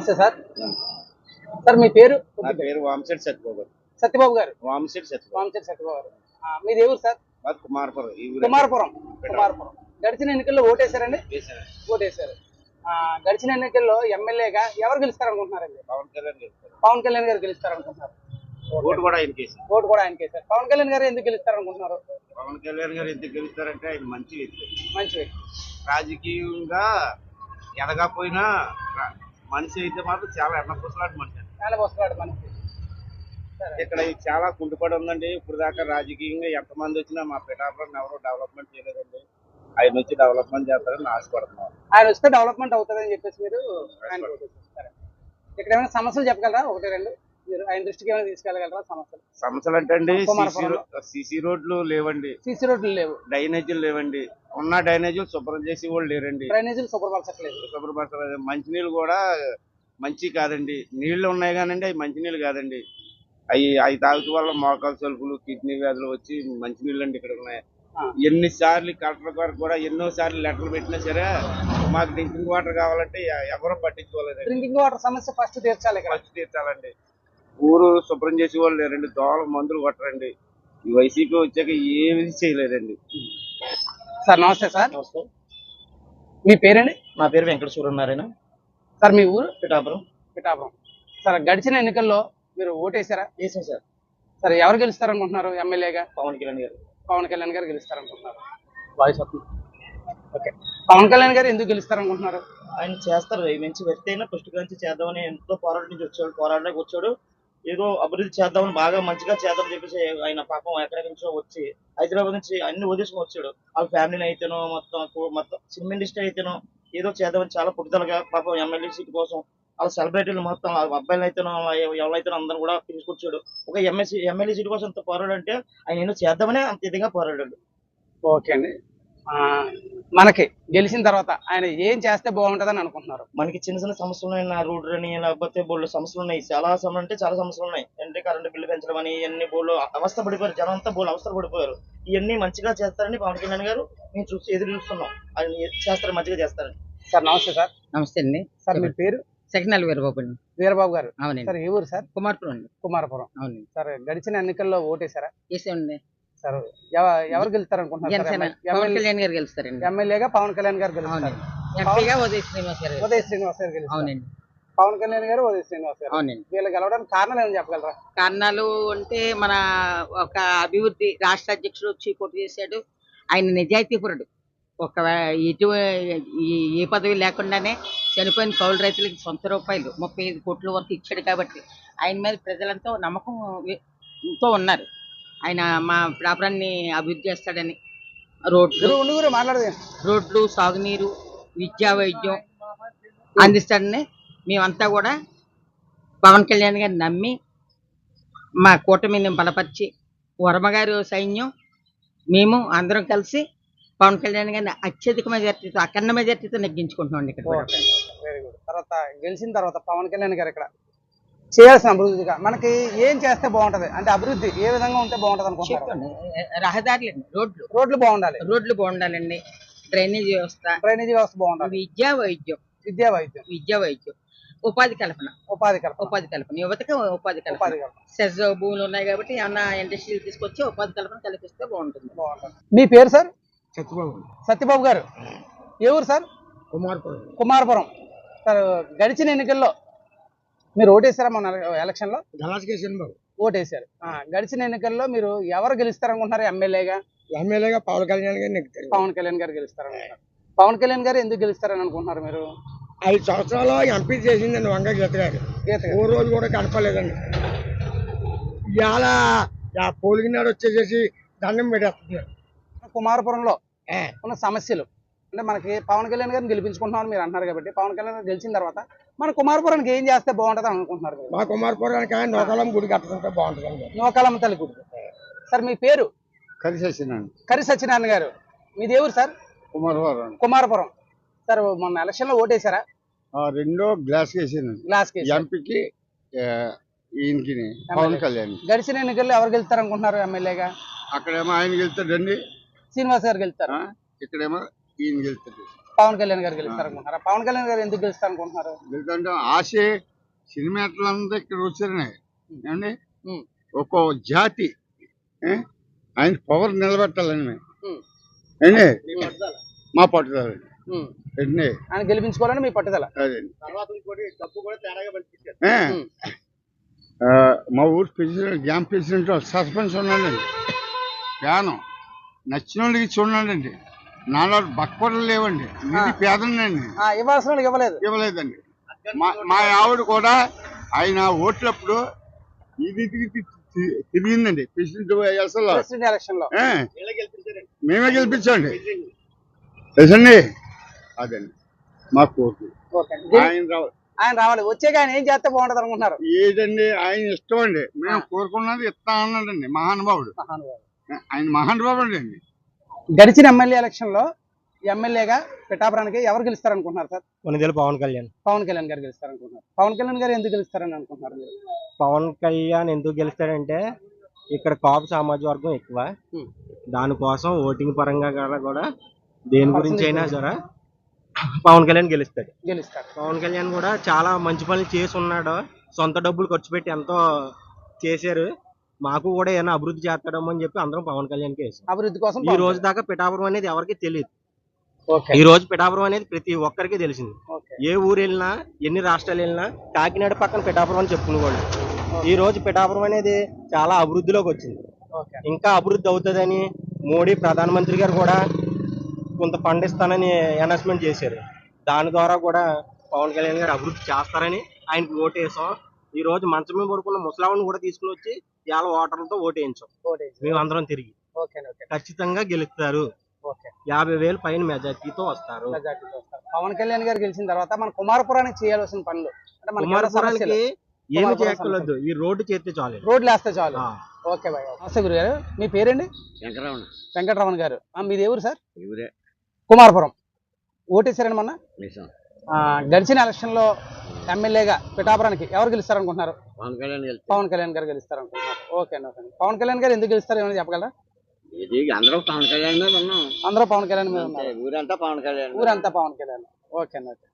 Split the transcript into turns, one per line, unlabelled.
నమస్తే sir. Sir మీ పేరు?
నా పేరు వామశెట్టి సత్యబాబు.
సత్యబాబు గారు.
వామశెట్టి సత్యబాబు.
వామశెట్టి సత్యబాబు గారు. మీది ఏ ఊరు సార్?
మాది కుమారపురం.
కుమారపురం. గడిచిన ఎన్నికల్లో ఓటేశారండి? ఓటేశారు. గడిచిన ఎన్నికల్లో ఎమ్మెల్యేగా ఎవరు గెలుస్తారు అనుకుంటున్నారండి?
పవన్ కళ్యాణ్ గెలుస్తారు.
పవన్ కళ్యాణ్ గారు గెలుస్తారు అనుకుంటున్నారు.
ఓటు కూడా ఆయనకేసి.
ఓటు కూడా ఆయనకేసారు. పవన్ కళ్యాణ్ గారు ఎందుకు గెలుస్తారు అనుకుంటున్నారు?
పవన్ కళ్యాణ్ గారు ఎందుకు గెలుస్తారంటే ఆయన మంచి వ్యక్తి.
మంచి వ్యక్తి.
రాజకీయంగా ఎదగపోయినా మనిషి అయితే మాత్రం చాలా ఎన్నపూసలాంటి మనిషి.
చాలా వస్తున్నాడు మనిషి.
ఇక్కడ చాలా కుంటుపడి ఉందండి. ఇప్పుడు దాకా రాజకీయంగా ఎంతమంది వచ్చినా మా పిఠాపురం ఎవరు డెవలప్మెంట్ చేయలేదండి. ఆయన వచ్చి డెవలప్మెంట్ చేస్తారని ఆశపడుతున్నాం.
ఆయన వస్తే డెవలప్మెంట్ అవుతుందని చెప్పేసి మీరు ఇక్కడ ఏమైనా సమస్యలు చెప్పగలరా? ఒకటి రెండు మీరు ఆయన దృష్టికి ఏమైనా తీసుకెళ్ళగలరా?
సమస్యలు అంటే అండి సిసి రోడ్లు లేవండి.
సిసి రోడ్లు లేవు.
డ్రైనేజీలు లేవండి. ఉన్న డ్రైనేజీలు శుభ్రం చేసి వాళ్ళు లేరండి.
డ్రైనేజీలు శుభ్రపరచలేదు.
మంచినీళ్ళు కూడా మంచి కాదండి. నీళ్లు ఉన్నాయి కానండి అవి మంచినీళ్ళు కాదండి. అవి తాగుతూ వల్ల మోకాలు సలుపులు కిడ్నీ వ్యాధులు వచ్చి మంచినీళ్ళు అండి ఇక్కడ ఉన్నాయి. ఎన్నిసార్లు కలెక్టర్ గారు కూడా ఎన్నోసార్లు లెటర్లు పెట్టినా సరే మాకు డ్రింకింగ్ వాటర్ కావాలంటే ఎవరూ పట్టించుకోలేదు.
డ్రింకింగ్ వాటర్ సమస్య ఫస్ట్
తీర్చాలండి. ఊరు శుభ్రం చేసే వాళ్ళు లేరండి. దోమలు మందులు కొట్టరండి. ఈ వైసీపీ వచ్చాక ఏమీ చేయలేదండి.
సార్ నమస్తే సార్.
నమస్తే.
మీ పేరండి?
నా పేరు వెంకట సూర్యనారాయణ.
సార్ మీ ఊరు?
పిఠాపురం.
సార్ గడిచిన ఎన్నికల్లో మీరు ఓటేసారా?
వేసాం సార్.
సరే ఎవరు గెలుస్తారనుకుంటున్నారు ఎమ్మెల్యేగా?
పవన్ కళ్యాణ్ గారు.
పవన్ కళ్యాణ్ గారు గెలుస్తారనుకుంటున్నారు. వాయిస్ వస్తుంది. ఓకే. పవన్ కళ్యాణ్ గారు ఎందుకు గెలుస్తారనుకుంటున్నారు?
ఆయన చేస్తారు. మంచి వ్యక్తి అయినా ఫస్ట్ నుంచి చేద్దామని ఎంతో పోరాటం నుంచి పోరాటడానికి వచ్చాడు. ఏదో అభివృద్ధి చేద్దామని బాగా మంచిగా చేద్దామని చెప్పేసి ఆయన పాపం ఎక్కడెక్కడి నుంచో వచ్చి హైదరాబాద్ నుంచి అన్ని వదిలేసుకుని వచ్చాడు. వాళ్ళ ఫ్యామిలీని అయితేనో మొత్తం సినిమా ఇండస్ట్రీ అయితేనో ఏదో చేద్దామని చాలా పుట్టుదలగా పాపం ఎమ్మెల్యే సీట్ కోసం వాళ్ళ సెలబ్రిటీలు మొత్తం అబ్బాయిలు అయితేనో ఎవరైతే అందరూ కూడా తీసుకొచ్చాడు. ఒక ఎమ్మెల్యే సీట్ కోసం అంత పోరాడంటే ఆయన ఏదో చేద్దామని అంత విధంగా పోరాడాడు.
ఓకే అండి. మనకి గెలిచిన తర్వాత ఆయన ఏం చేస్తే బాగుంటుందని అనుకుంటున్నారు?
మనకి చిన్న చిన్న సమస్యలు ఉన్నాయి. నా రోడ్డు అని లేకపోతే బోర్డు సమస్యలు ఉన్నాయి. చాలా సమస్యలు ఉన్నాయి. అంటే కరెంటు బిల్లు పెంచడం అని ఇవన్నీ బోర్డు అవస్థ పడిపోయారు. జనం అంతా బోర్డు అవస్థ పడిపోయారు. ఇవన్నీ మంచిగా చేస్తారని పవన్ కళ్యాణ్ గారు మేము ఎదురు చూస్తున్నాం. ఆయన చేస్తారు, మంచిగా చేస్తారని.
సార్ నమస్తే సార్.
నమస్తే అండి.
సార్ మీ పేరు?
సెకండ్ వీరబాబు అండి.
వీరబాబు గారు.
అవునండి.
సార్ ఏ ఊరు సార్?
కుమారపురం అండి.
కుమారపురం.
అవునండి.
సార్ గడిచిన ఎన్నికల్లో ఓటేసారా?
వేసామండి.
సార్ ఎవరు గెలుస్తారు అనుకుంటున్నారు?
పవన్ కళ్యాణ్ గారు గెలుస్తారండి.
ఎమ్మెల్యేగా పవన్ కళ్యాణ్ గారు గెలుస్తారు.
ఎంపీగా ఉదయ్ శ్రీనివాస్ గారు
గెలుస్తారు.
అవునండి.
పవన్ కళ్యాణ్ గారు, ఉదయ్ శ్రీనివాస్ గారు.
అవునండి.
వీళ్ళు గెలవడానికి కారణాలు ఏమైనా చెప్పగలరా?
కారణాలు అంటే మన ఒక అభివృద్ధి రాష్ట్ర అధ్యక్షుడు వచ్చి పోటీ చేశాడు. ఆయన నిజాయితీపురుడు. ఒక ఏ పదవి లేకుండానే చనిపోయిన కౌలు రైతులకి సొంత రూపాయలు 35 కోట్ల వరకు ఇచ్చాడు. కాబట్టి ఆయన మీద ప్రజలంతా నమ్మకంతో ఉన్నారు. ఆయన మా ప్రాపరాన్ని అభివృద్ధి చేస్తాడని రోడ్లు, సాగునీరు, విద్యా, వైద్యం అందిస్తాడని మేమంతా కూడా పవన్ కళ్యాణ్ గారిని నమ్మి మా కూటమిని బలపరిచి వర్మగారు సైన్యం మేము అందరం కలిసి పవన్ కళ్యాణ్ గారిని అత్యధిక మెజార్టీతో అఖండ మెజార్టీతో నెగ్గించుకుంటున్నాం. ఇక్కడ
వెరీ గుడ్. తర్వాత గెలిచిన తర్వాత పవన్ కళ్యాణ్ గారు ఇక్కడ చేయాల్సిన అభివృద్ధిగా మనకి ఏం చేస్తే బాగుంటది అంటే అభివృద్ధి ఏ విధంగా ఉంటే బాగుంటది అనుకుంటున్నారు?
రహదారులండి,
రోడ్లు
బాగుండాలండి. డ్రైనేజీ వ్యవస్థ
బాగుండాలి.
విద్యా వైద్యం, ఉపాధి కల్పన, యువతకి ఉపాధి కల్పన. సెజ్ భూములు ఉన్నాయి కాబట్టి ఏమన్నా ఇండస్ట్రీలు తీసుకొచ్చి ఉపాధి కల్పన కల్పిస్తే బాగుంటుంది.
మీ పేరు సార్?
సత్యబాబు
గారు. ఏ ఊరు సార్? కుమారపురం. సార్ గడిచిన ఎన్నికల్లో మీరు ఓటేశారా? మన ఎలక్షన్ లో ఓటేశారు. గడిచిన ఎన్నికల్లో మీరు ఎవరు గెలుస్తారనుకుంటున్నారు ఎమ్మెల్యేగా? పవన్ కళ్యాణ్ గారు గెలుస్తారనుకుంటున్నారు. పవన్ కళ్యాణ్ గారు ఎందుకు గెలుస్తారని అనుకుంటున్నారు మీరు?
5 సంవత్సరాలు ఎంపీ చేసిందండి వంగ గీత గారు. ఓ రోజు కూడా కనపలేదండి. ఇవాళ పోలింగ్ నాడు వచ్చేసేసి దండం పెట్టేస్తున్నారు.
కుమారపురంలో ఉన్న సమస్యలు అంటే మనకి పవన్ కళ్యాణ్ గారిని గెలిపించుకుంటున్నామని మీరు అంటున్నారు కాబట్టి పవన్ కళ్యాణ్ గారు గెలిచిన తర్వాత మన కుమారపురానికి ఏం చేస్తే బాగుంటుంది అనుకుంటున్నారు?
మా కుమారపురానికి నూకాలం గుడి కట్టుకుంటే బాగుంటుంది.
నూకాలం తల్లి గుడి. సార్ మీ పేరు?
కరి
సత్యనారాయణ గారు. మీది ఏ ఊరు సార్? కుమారపురం. సార్ మొన్న ఎలక్షన్ లో ఓటేశారా?
రెండో గ్లాస్ ఎంపీకి పవన్ కళ్యాణ్.
గడిచిన ఎన్నికల్లో ఎవరు గెలుస్తారు అనుకుంటున్నారు ఎమ్మెల్యేగా?
అక్కడేమో ఆయన గెలుస్తాడండి,
శ్రీనివాస్ గారు గెలుస్తారు.
ఇక్కడేమో ఈయన గెలుస్తాడు.
పవన్ కళ్యాణ్ గారు గెలుస్తారు అనుకుంటున్నారా? పవన్ కళ్యాణ్ గారు ఎందుకు గెలుస్తారు అనుకుంటున్నారు?
ఎందుకంటే ఆశే సినిమాలంతా ఇక్కడ వచ్చారనే ఏమండి
ఉమ్.
ఒక్కో జాతి ఏ? ఆయన పవర్ నిలబెట్టాలని మేము
ఉమ్.
ఏండి మా పట్టుదల
ఉమ్.
ఏండి
ఆయన గెలిపించుకోవాలని మీ పట్టుదల.
అదే
ఉమ్.
మా ఊరు ప్రెసిడెంట్ గ్రామ ప్రెసిడెంట్ సస్పెన్స్ ఉన్నాడండి ప్యానం నచ్చిన వాళ్ళకి ఇచ్చి ఉన్నాడండి నాలో బక్కపడలు లేవండి ఇది పేదండి
ఇవ్వాల్సిన వాళ్ళకి ఇవ్వలేదు.
ఇవ్వలేదండి మా ఆవిడ కూడా ఆయన ఓట్లప్పుడు ఇది తిరిగిందండి ప్రెసిడెంట్ అసలు
ప్రెసిడెంట్ ఎలక్షన్ లో
మేమే గెలిపించండి తెలుసండి అదండి మా కోరిక
ఓకే.
ఆయన రావాలి
ఆయన రావాలి. వచ్చాక ఆయన ఏం చేస్తే బాగుంటది అనుకుంటున్నారు?
ఏదండి ఆయన ఇష్టం అండి మేము కోరుకున్నది ఇస్తా అన్నాడండి మహానుభావుడు ఆయన మహానుభావుడు అండి.
గడిచిన ఎమ్మెల్యే ఎలక్షన్ లో ఎమ్మెల్యేగా పిఠాపురానికి ఎవరు గెలుస్తారు అనుకుంటున్నారు సార్?
కొనిదెల పవన్ కళ్యాణ్.
పవన్ కళ్యాణ్ గారు గెలుస్తారు అనుకుంటున్నారు. పవన్ కళ్యాణ్ గారు ఎందుకు గెలుస్తారని అనుకుంటున్నారు మీరు?
పవన్ కళ్యాణ్ ఎందుకు గెలుస్తాడంటే ఇక్కడ కాపు సామాజిక వర్గం ఎక్కువ, దానికోసం ఓటింగ్ పరంగా కూడా దేని గురించి అయినా సరే పవన్ కళ్యాణ్ గెలుస్తాడు. పవన్ కళ్యాణ్ కూడా చాలా మంచి పనులు చేసి ఉన్నాడు, సొంత డబ్బులు ఖర్చు పెట్టి ఎంతో చేశారు. మాకు కూడా ఏమైనా అభివృద్ధి చేస్తాడేమో అని చెప్పి అందరం పవన్ కళ్యాణ్కి వేసాం.
అభివృద్ధి కోసం
ఈ రోజు దాకా పిఠాపురం అనేది ఎవరికి తెలియదు. ఈ రోజు పిఠాపురం అనేది ప్రతి ఒక్కరికి తెలిసింది. ఏ ఊరు వెళ్ళినా ఎన్ని రాష్ట్రాలు వెళ్ళినా కాకినాడ పక్కన పిఠాపురం అని చెప్పుకునేవాళ్ళు. ఈ రోజు పిఠాపురం అనేది చాలా అభివృద్ధిలోకి వచ్చింది. ఇంకా అభివృద్ధి అవుతుందని మోడీ ప్రధానమంత్రి గారు కూడా కొంత ఫండ్ ఇస్తానని అనౌన్స్మెంట్ చేశారు. దాని ద్వారా కూడా పవన్ కళ్యాణ్ గారు అభివృద్ధి చేస్తారని ఆయనకు ఓటు వేసాం. ఈ రోజు మంచం మీద పడుకున్న ముసలావుని కూడా తీసుకుని వచ్చి ఇవాళ ఓటర్లతో ఓటు వేయించాం. మేము అందరం తిరిగి ఖచ్చితంగా గెలుస్తారు. 50,000 పైన మెజార్టీతో వస్తారు.
పవన్ కళ్యాణ్ గారు గెలిచిన తర్వాత మన కుమారపురానికి చేయాల్సిన పనులు అంటే మన
కుమారపురానికి ఏమి చేయక్కర్లేదు, ఈ రోడ్డు చేస్తే చాలు,
రోడ్లు వేస్తే చాలు. Okay bye. నమస్తే గురు గారు, మీ పేరండి? వెంకటరమణ గారు. మీది ఎవరు సార్? కుమారపురం. ఓటేసారండి మొన్న? గడిచిన ఎలక్షన్ లో ఎమ్మెల్యేగా పిఠాపురానికి ఎవరు గెలుస్తారు అనుకుంటున్నారు? పవన్ కళ్యాణ్ గారు గెలుస్తారు అనుకుంటున్నారు. ఓకే అండి. ఓకే. పవన్ కళ్యాణ్ గారు ఎందుకు గెలుస్తారు ఏమైనా చెప్పగలరా?
అందరూ పవన్ కళ్యాణ్ మీద ఉన్నాం.
అందరూ పవన్ కళ్యాణ్ మీద ఉన్నారు.
ఊరంతా పవన్ కళ్యాణ్.
ఊరంతా పవన్ కళ్యాణ్. ఓకే అండి. ఓకే.